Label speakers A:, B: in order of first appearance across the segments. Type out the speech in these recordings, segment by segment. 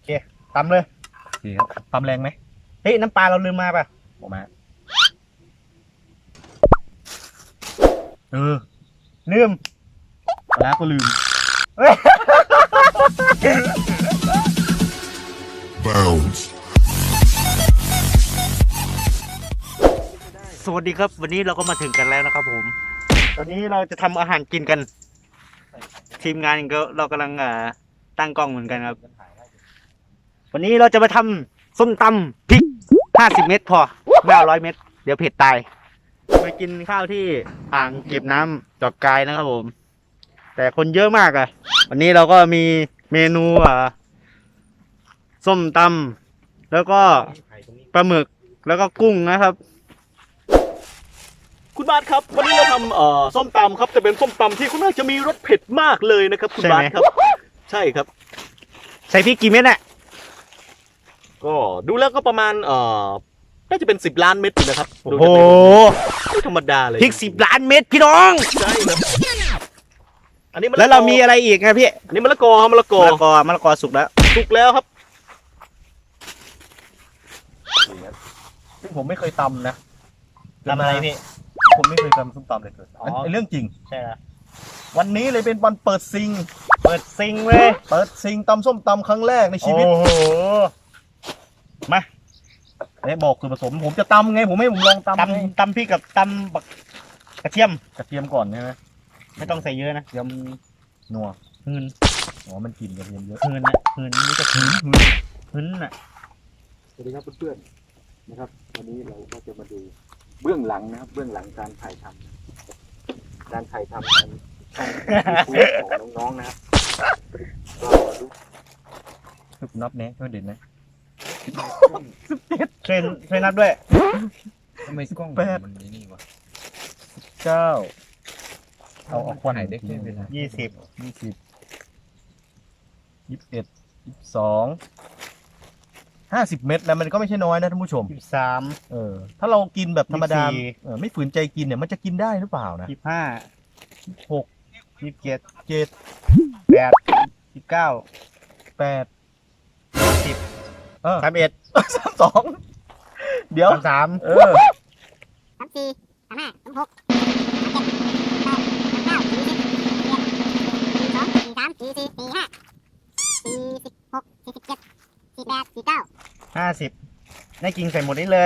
A: เคตำเลย
B: โอเคครับตำแรงไหม
A: เฮ้ยน้ำปลาเราลืมมาป่ะ
B: ออกมา
A: ลืม
B: แล้วก็ลืม
C: Bounce.
A: สวัสดีครับวันนี้เราก็มาถึงกันแล้วนะครับผมตอนนี้เราจะทำอาหารกินกัน ทีมงานก็เรากำลังตั้งกล้องเหมือนกันครับ วันนี้เราจะมาทำส้มตำพริก50 เม็ดพอไม่เอา100 เม็ดเดี๋ยวเผ็ดตายมากินข้าวที่อ่างเก็บน้ำจอกกายนะครับผม แต่คนเยอะมากวันนี้เราก็มีเมนูส้มตำแล้วก็ปลาหมึกแล้วก็กุ้งนะครับ
D: คุณบาสครับวันนี้เราทำส้มตำครับแต่เป็นส้มตำที่ค่อนข้างจะมีรสเผ็ดมากเลยนะครับคุณบาสครับใช่ครับ
A: ใส่พริกกี่เม็ดน่ะ
D: ก็ดูแล้วก็ประมาณน่าจะเป็น10 ล้านเม็ดอยู่นะครับ
A: โอ้
D: ดู
A: โห
D: จะเป็นไม่ธรรมดาเลย
A: พริก10 ล้านเม็ดพี่น้อง
D: ใช่ครับอันนี้มะละกอ
A: แล้วเรามีอะไรอีกครับพี่
D: อันนี้มะละกอครับมะละกอ
A: มะละกอสุกแล้ว
D: สุกแล้วครับ
B: ซึ่งผมไม่เคยตำนะ
A: ทำอะไรพี่
B: ผมไม่เคยตำส้มตำเลยเกิด
A: อ๋อ
B: อันเรื่องจริง
A: ใช่แล้ว
B: วันนี้เลยเป็นวันเปิดซิง
A: เปิดซิงเว้ย
B: เปิดซิงตำส้มตำครั้งแรกในชีวิต
A: โอ้โห
B: มาบอกส่วนผสมผมจะตำไงผมให้ผมลองตำไง
A: ตำพริกกับตำบักกระเทียม
B: กระเทียมก่อนใช่ไหม
A: ไม่ต้องใส่เยอะนะ
B: กระเทียมนัว
A: หืน
B: อ๋อมันกลิ่นกระเทียมเยอะ
A: หืนนะหืนนี่จะหืนหืนน่ะ
E: สวัสดีครับเพื่อนๆนะครับวันนี้เราก็จะมาดูเบื้องหลังนะครับเบื้องหลังการถ่ายทำนะครับการถ่ายทำในช่องของน้องๆนะครับก็ดู
B: นับแน่ช่วยเด่นนะ
A: ช่วยนับด้วย
F: ทำไมกล้อง
B: แปด
F: มันนี่วะ
B: 9เอาควัน
F: ถ่ายได้แค่เวลา
A: 20
B: 20 21 22 50 เม็ดแล้วมันก็ไม่ใช่น้อยนะท่านผู้ชม
A: 23
B: ถ้าเรากินแบบธรรมดา
A: 24
B: ไม่ฝืนใจกินเนี่ยมันจะกินได้หรือเปล่านะ
A: 25
B: 6
A: 27
B: 7
A: 8 19
B: 8
A: 30 31
B: 32เดี๋ยว
A: 33 50ได้กินใส่หมดนี้เลย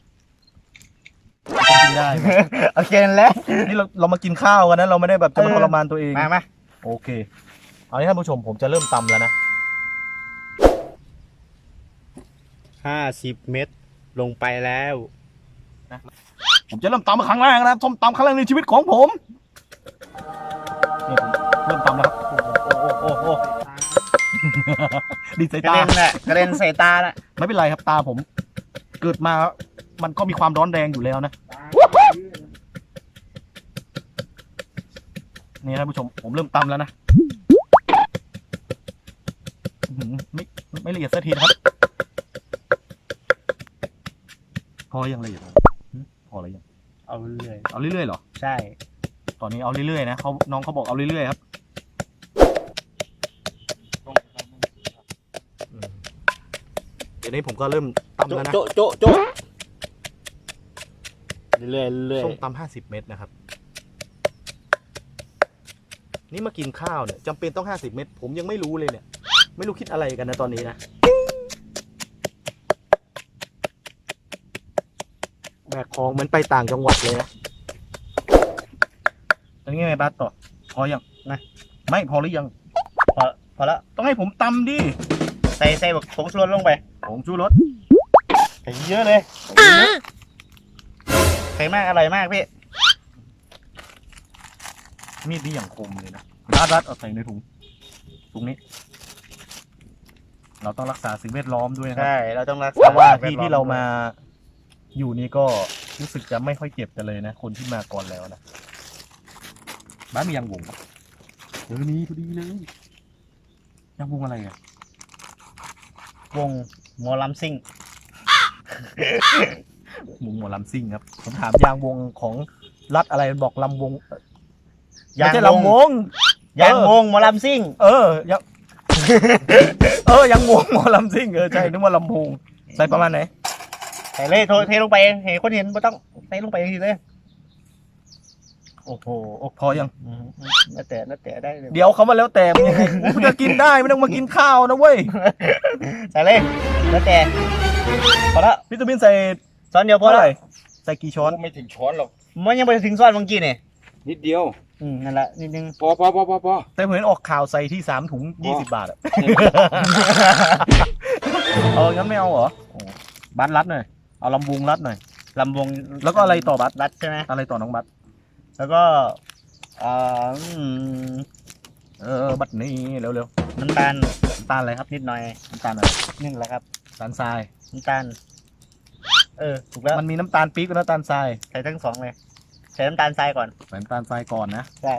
B: กินได้ไหม
A: โอเคนั่นแหละ
B: นี่เรามากินข้าวกันนะเราไม่ได้แบบจะมาทรมานตัวเอง
A: มา
B: โอเคเอางี้ท่านผู้ชมผมจะเริ่มตำแล้วนะ
A: 50 เม็ดลงไปแล้ว
B: ผมจะเริ่มตำครั้งแรกนะครับส้มตำครั้งแรกในชีวิตของผมนี่ผมเริ่มตำแล้วครับ
A: โอ้โห
B: ดีใส่
A: กระ
B: ตา
A: เด็นแหละกระเด็นใส่ตาละ
B: ไม่เป็นไรครับตาผมเกิดมามันก็มีความร้อนแรงอยู่แล้วนะนี่ท่านผู้ชมผมเริ่มตำแล้วนะอื้อหือไม่ละเอียดสักทีนะครับพอยังละเอียดพออะไรยัง
A: เอาเรื่อย
B: เอาเรื่อยๆเหรอ
A: ใช่
B: ตอนนี้เอาเรื่อยๆนะน้องเขาบอกเอาเรื่อยๆครับเดี๋ยวนี้ผมก็เริ่มตำแล้วนะ
A: โจ๊ะโจ๊ะโจ๊ะเรื่อยเรื่อย
B: ส้มตำ50 เม็ดนะครับนี่มากินข้าวเนี่ยจำเป็นต้อง50 เม็ดผมยังไม่รู้เลยเนี่ยไม่รู้คิดอะไรกันนะตอนนี้นะแบกของเหมือนไปต่างจังหวัดเลยนะตอนนี้ไงบัสต่อพอยังนะไม่พอหรือยัง
A: พอแล้ว
B: ต้องให้ผมตำดิ
A: ใส่แบบผงชูรสลงไป
B: ผงชูรส
A: ใส่เยอะเลยใส่มากอร่อยมากพี่
B: มีดนี่อย่างคมเลยนะรัดเอาใส่ในถุงนี้ เราต้องรักษาสิ่งแวดล้อมด้วยนะครั
A: ใช่เราต้องรัก
B: เพราะว่าที่
A: แดล้อ
B: ที่เรามาอยู่นี่ก็รู้สึกจะไม่ค่อยเก็บกันเลยนะคนที่มาก่อนแล้วนะบ้านมียางวงปะนี่พอดีเลยยางวงอะไรอ่ะ
A: วงหมอลำซิ่ง
B: วงหมอลำซิ่งครับผมถามยางวงของรัฐอะไรบอกลำวงไม่ใช่ลำวง
A: ยางวงหมอลำซิ่ง
B: ยางยังวงหมอลำซิ่งใช่นึกว่าลำโพงใส่ประมาณไหน
A: ใส่เลยเทลงไปเห็นคนเห็นไม่ต้องใส่ลงไปทีเลยโอ้โห
B: พอยัง
A: น่าแต่ได้เลย
B: เดี๋ยวเขามาแล้วแต่มึงยังไงกูจะกินได้ไม่ต้องมากินข้าวนะเว้ย
A: ใส่เลยแล้วแต่พอละ
B: วิตามินใส่
A: ช้อนเดียวพอ
B: เท่า
A: ละ
B: ไหร่ใส่กี่ช้อน
E: ไม่ถึงช้อนหรอก
A: มันยังไปถึงช้อนเมื่อกี้เนี่ย
E: นิดเดียว
A: นั่นแหละนิดนึง
E: พอ
B: แต่ผมเห็นออกข่าวใส่ที่3 ถุง 20 บาทอะงั้นไม่เอาเหรอบัตรรัดหน่อยเอาลำวงรัดหน่อย
A: ลำวง
B: แล้วก็อะไรต่อบัตร
A: รัดใช่ไหม
B: อะไรต่อน้องบัตร
A: แล้วก็
B: บัตรนี้เร็ว
A: น้ำตาล
B: ๆน้ำตาลอะไรครับ
A: นิดหน่อย
B: น้ำตาลอะไร
A: นึ่งแหละครับ
B: น้ำตาลทราย
A: น้ำตาลถูกแล้ว
B: มันมีน้ำตาลปี๊บกับน้ำตาลทราย
A: ใส่ทั้งสองเลยใส่น้ำตาลทรายก่อน
B: ใส่น้ำตาลทรายก่อนนะ
A: ใช่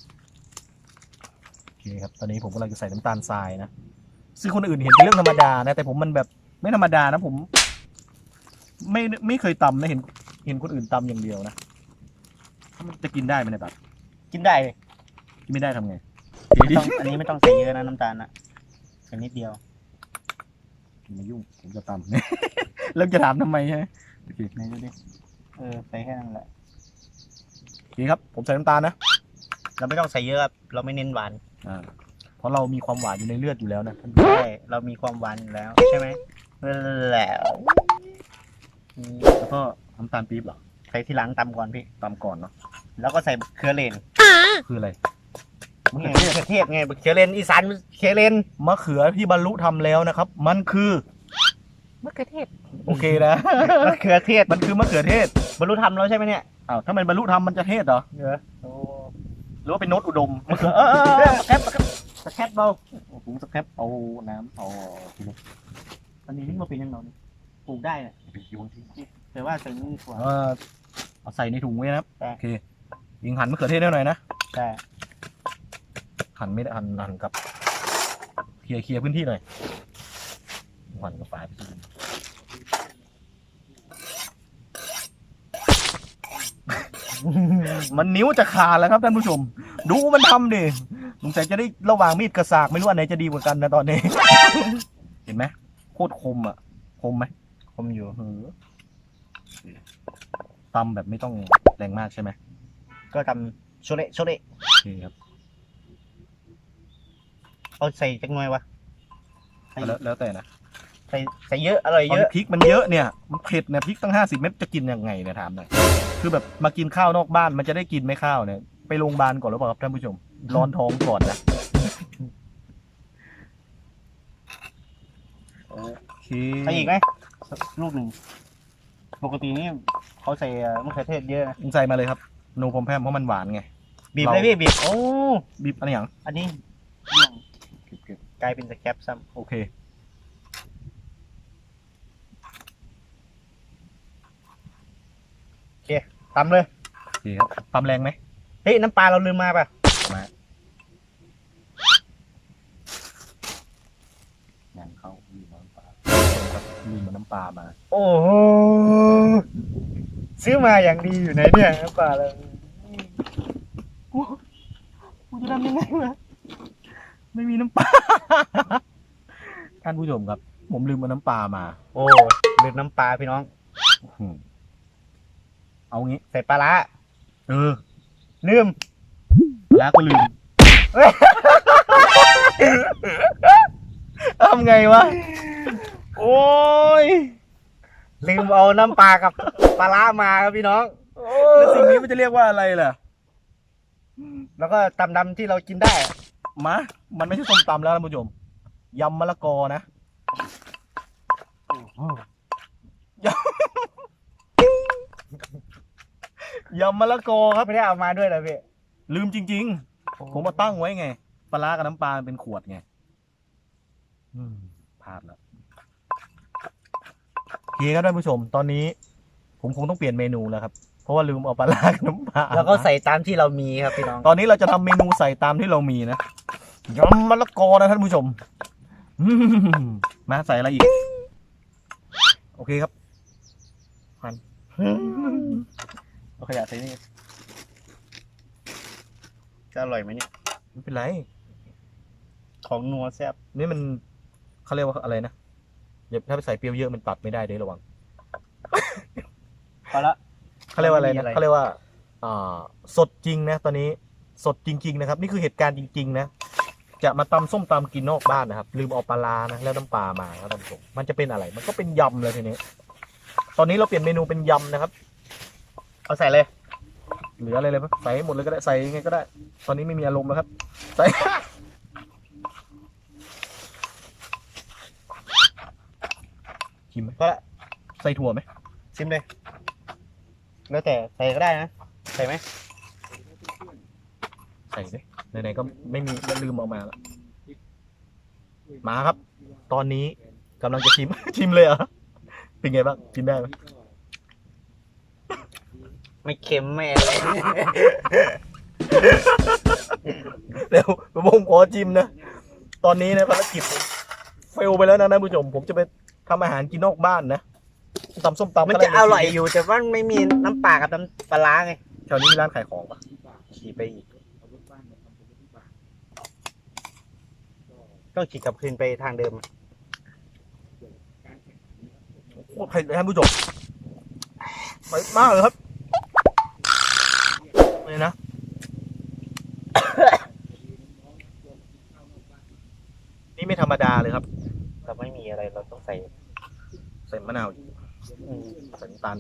B: โอเคครับ ตอนนี้ผมกำลังจะใส่น้ำตาลทรายนะ ซึ่งคนอื่นเห็นเป็นเรื่องธรรมดานะ แต่ผมมันแบบไม่ธรรมดานะ ผมไม่เคยตำนะ เห็นคนอื่นตำอย่างเดียวนะมันจะกินได้ไหมเนี่ยแบบ
A: กินได้เลย
B: กินไม่ได้ทำไง
A: อันนี้ไม่ต้องใส่เยอะนะน้ำตาลนะใส่นิดเดียว
B: ไม่ยุ่งผมจะตำ แล้วจะถามทำไมใช่ไหมโอเค
A: ไหนดูดิใส่แค่นั้นแหละ
B: โอเคครับ ผมใส่น้ำตาลนะ
A: เราไม่ต้องใส่เยอะครับเราไม่เน้นหวาน
B: เพราะเรามีความหวานอยู่ในเลือดอยู่แล้วนะ
A: ใช่เรามีความหวานอยู่แล้วใช่ไหมแล้ว
B: แล้วก็น้ำตาลปี๊บเหรอ
A: ใส่ทีหลังตำก่อนพี่
B: ตำก่อนเนาะ
A: แล้วก็ใส่เครือเลน
B: คืออะไร
A: มะเขือเทศไงเครือเลนอีสานเครือเลน
B: มะเขือที่บรรลุทำแล้วนะครับ มันคือ
A: มะเขือเทศ
B: โอเคนะ
A: มะเขือเทศ
B: มันคือมะเขือเทศ
A: บรรลุธรรมแล้วใช่ไหมเนี่ย
B: อ้าวถ้ามันบรรลุทำมันจะเทศเหรอ
A: โอ้
B: หรือว่าเป็นโน้ตอุดม
A: มะเขือสแคปเบา
B: ผมสแครปเอาน้ำเอาทีนี้
A: ตอนนี้นี่มาเป็นยังไงเนี่ยปลูกได้เนี่ย
B: ไปโยนทิ้ง
A: แต่ว่าใส่นี่กว่า
B: เอาใส่ในถุงไว้นะครับ
A: ได้
B: โอเคยิงหั่นมะเขือเทศได้หน่อยนะ
A: ใช่
B: หั่นไม่ได้หั่นกับเคลียร์พื้นที่หน่อยหั่นกับฝาไปทีนึงมันนิ้วจะขาดแล้วครับท่านผู้ชม ดูมันทำดิสงสัยจะได้ระหว่างมีดกระสากไม่รู้อันไหนจะดีกว่ากันนะตอนนี้ เห็นไหมโคตรคมอ่ะคมไหม
A: คมอยู่
B: ตำแบบไม่ต้องแรงมากใช่ไหม
A: ก็ทำโชเละ
B: โอเคครับ
A: เอาใส่จังหน่อยวะ
B: แล้วแต่นะ
A: ใส่เยอะอร่อยเยอะ
B: พริกมันเยอะเนี่ยมันเผ็ดเนี่ยพริกตั้ง50 เม็ดจะกินยังไงเนี่ยถามหน่อยคือแบบมากินข้าวนอกบ้านมันจะได้กินไหมข้าวเนี่ยไปโรงพยาบาลก่อนหรือเปล่าครับท่านผู้ชมร้อนท้องก่อนนะโอเค
A: ใส่อีกไหมลูกหนึ่งปกตินี่เขาใส่มะเขือเทศเยอะนะ
B: ใส่มาเลยครับโนพรมแพมเพราะมันหวานไง
A: บีบเลยพี่บีบโอ้
B: บีบอะไรอย่าง
A: อันนี้เรื่อง
B: เก็บ
A: กลายเป็นสแคปซ้
B: โอเค
A: ำตำเลย
B: โอเคครับตำแรงไหม
A: เฮ้ยน้ำปลาเราลืมมาป่ะ
B: มาอย่างเข้าลืมน้ำปลาลืมน้ำปลามา
A: โอ้โหซื้อมาอย่างดีอยู่ไหนเนี่ยน้ำปลาเรากูจะทำยังไงวะ
B: ไม่มีน้ำปลา ท่านผู้ชมครับ ผมลืมเอาน้ำปลามา
A: โอ้ลืมน้ำปลาพี่น้อง
B: เอางี้
A: ใส่ปลาร้า
B: ลืม แล้วก็ลืม ทำไงวะ
A: โอ้ยลืมเอาน้ำปลากับปลาร้ามาครับพี่น้อง
B: แล้วสิ่งนี้มันจะเรียกว่าอะไรล่ะ
A: แล้วก็ตำดำที่เรากินได้
B: มันไม่ใช่ส้มตำแล้วท่านผู้ชมยำมะละกอนะยำมะละกอครับ
A: ไม่ได้เอามาด้วยเหรอพี่
B: ลืมจริงๆ ผมมาตั้งไว้ไงปลาร้ากับน้ำปลาเป็นขวดไงพลาดแล้วโอเคครับท่านผู้ชม ตอนนี้ ผมคงต้องเปลี่ยนเมนูแล้วครับ เพราะว่าลืมเอาปลาร้ากับน้ำปลา
A: แล้วก็ใส่ตามที่เรามีครับพี่น้อง
B: ตอนนี้เราจะทำเมนูใส่ตามที่เรามีนะยำมะละกอนะท่านผู้ชมมาใส่อะไรอีก โอเคครับเอาขยะใส่นี่
A: จะอร่อยไหมเนี่ย
B: ไม่เป็นไร
A: ของนัวแซ่บ
B: นี่มันเขาเรียกว่าอะไรนะเดี๋ยวถ้าไปใส่เปรี้ยวเยอะมันตัดไม่ได้เด้ระวัง
A: พอละ
B: เขาเรียกว่าอะไร
A: มี
B: นะ
A: อะไร
B: เขาเรียกว่าสดจริงนะตอนนี้สดจริง ๆ นะครับ นี่คือเหตุการณ์จริง ๆ นะ จะมาตำส้มตำกินนอกบ้านนะครับ ลืมเอาปลาร้านะแล้วน้ำปลามาครับท่านผู้ชมมันจะเป็นอะไร มันก็เป็นยำเลยทีนี้ ตอนนี้เราเปลี่ยนเมนูเป็นยำนะครับ
A: เอาใส่เลย
B: เหลืออะไรเลยปะใส่ให้หมดเลยก็ได้ใส่ยังไงก็ได้ ตอนนี้ไม่มีอารมณ์แล้วครับใส่ ชิมไหม
A: พอละ
B: ใส่ถั่วไหม
A: ชิมเลย แล้วแต่ใส่ก็ได้นะ ใส่ไหม
B: ใส่สิไหนๆก็ไม่มีก็ลืมเอามาแล้วมาครับ ตอนนี้กำลังจะชิม ชิมเลยเหรอเป็นไงบ้างกินได้ไหม
A: ไม่เค็มไม่อะไร
B: เดี๋ยวผมขอชิมนะตอนนี้นะภารกิจผมเฟลไปแล้วนะท่านผู้ชมผมจะไปทำอาหารกินนอกบ้านนะตำส้มตำ
A: มันจะอร่อยอยู่แต่ว่าไม่มีน้ำปลากับน้ำปลาร้าไง
B: แถวนี้มีร้านขายของปะ
A: ขี่ไปอีกต้องขี่กลับคืนไปทางเดิม
B: โอ้ใครท่านผู้ชมไปมากเลยครับเลยนะ นี่ไม่ธรรมดาเลยครับ
A: เราไม่มีอะไรเราต้องใส่
B: ใส่มะนาวอีก
A: อืม
B: ใส่น้ำตาล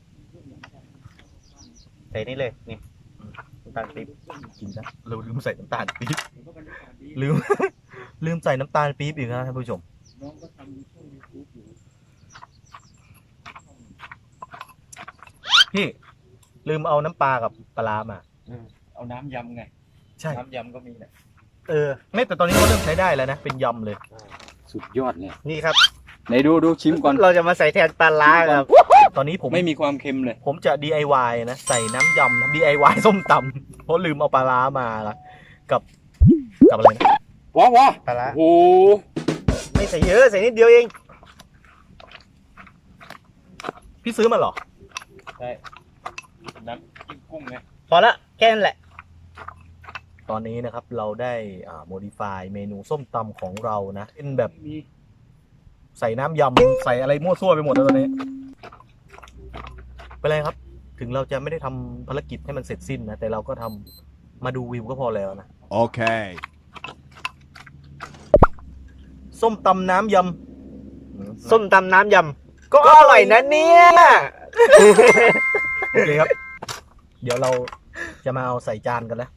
A: ใส่นี่เลยนี่น้ำตาลปี๊บ
B: กินนะเราลืมใส่น้ำตาลปี๊บลืม ลืมใส่น้ำตาลปี๊บอีกนะท่านผู้ชมพี่ลืมเอาน้ำปลากับปลาร้ามา
E: เอาน้ำยำไง
B: ใช่
E: น้ำยำก็มีนะ
A: เออ
B: ไม่แต่ตอนนี้เขาเริ่มใช้ได้แล้วนะเป็นยำเลย
E: สุดยอดเนี่ย
A: นี่ครับ
E: ไหนดูชิมก่อน
A: เราจะมาใส่แทนปลาร้าครับ
B: ตอนนี้ผม
E: ไม่มีความเค็มเลย
B: ผมจะ DIY นะใส่น้ำยำนะ DIY ส้มตำเพราะลืมเอาปลาร้ามาละกับอะไรนะ
E: ว้าว
A: ปลาร้า
E: โอ้โห
A: ไม่ใส่เยอะใส่นิดเดียวเอง
B: พี่ซื้อมาเหรอ
E: ใช่น้ำจิ้มกุ้งไง
A: พอละแค่นั้นแหละ
B: ตอนนี้นะครับเราได้modify เมนูส้มตำของเรานะเป็นแบบใส่น้ำยำใส่อะไรมั่วซั่วไปหมดแล้วตอนนี้เป็นไรครับ ถึงเราจะไม่ได้ทำภารกิจให้มันเสร็จสิ้นนะแต่เราก็ทำมาดูวิวก็พอแล้วนะ
C: Okay.
B: ส้มตำน้ำยำ
A: ส้มตำน้ำยำก็อร่อยนะเนี่ย
B: โอเคครับ เดี๋ยวเราจะมาเอาใส่จานกันแล้ว